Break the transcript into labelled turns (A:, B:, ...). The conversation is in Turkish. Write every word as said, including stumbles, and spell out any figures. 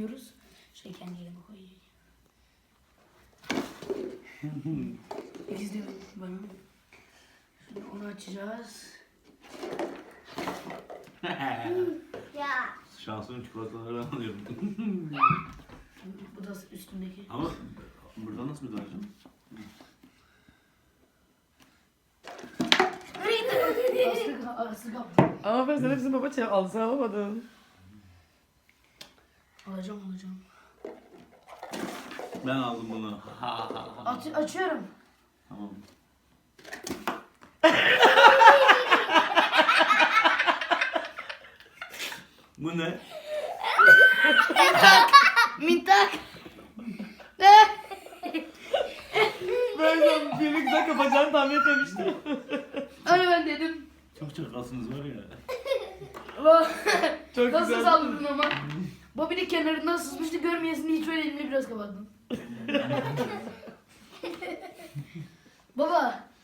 A: koyuyoruz. Şey kendi yerine koyuyor. İzle bana. Şimdi onu açacağız.
B: Ya.
C: Şansımın çikolataları alıyorum.
A: Bu da üstündeki.
C: Ama burada nasıl müdahale'cim?
A: Aslı, aslı kaptı.
D: Ama ben sen hepsini baba çay alsın alamadın.
A: Alacağım alacağım.
C: Ben aldım bunu.
A: Aç, açıyorum.
C: Tamam. Bu ne?
A: Mintak.
D: Ben sen filmi güzel kapacağını tahmin etmemiştim.
A: Öyle ben dedim.
C: Çok çakalsınız var ya.
D: Çok
A: Nasıl
D: güzel.
A: saldırdın ama? Bobby de kenarından sızmıştı, görmeyesin hiç öyle elini biraz kapattım. Baba,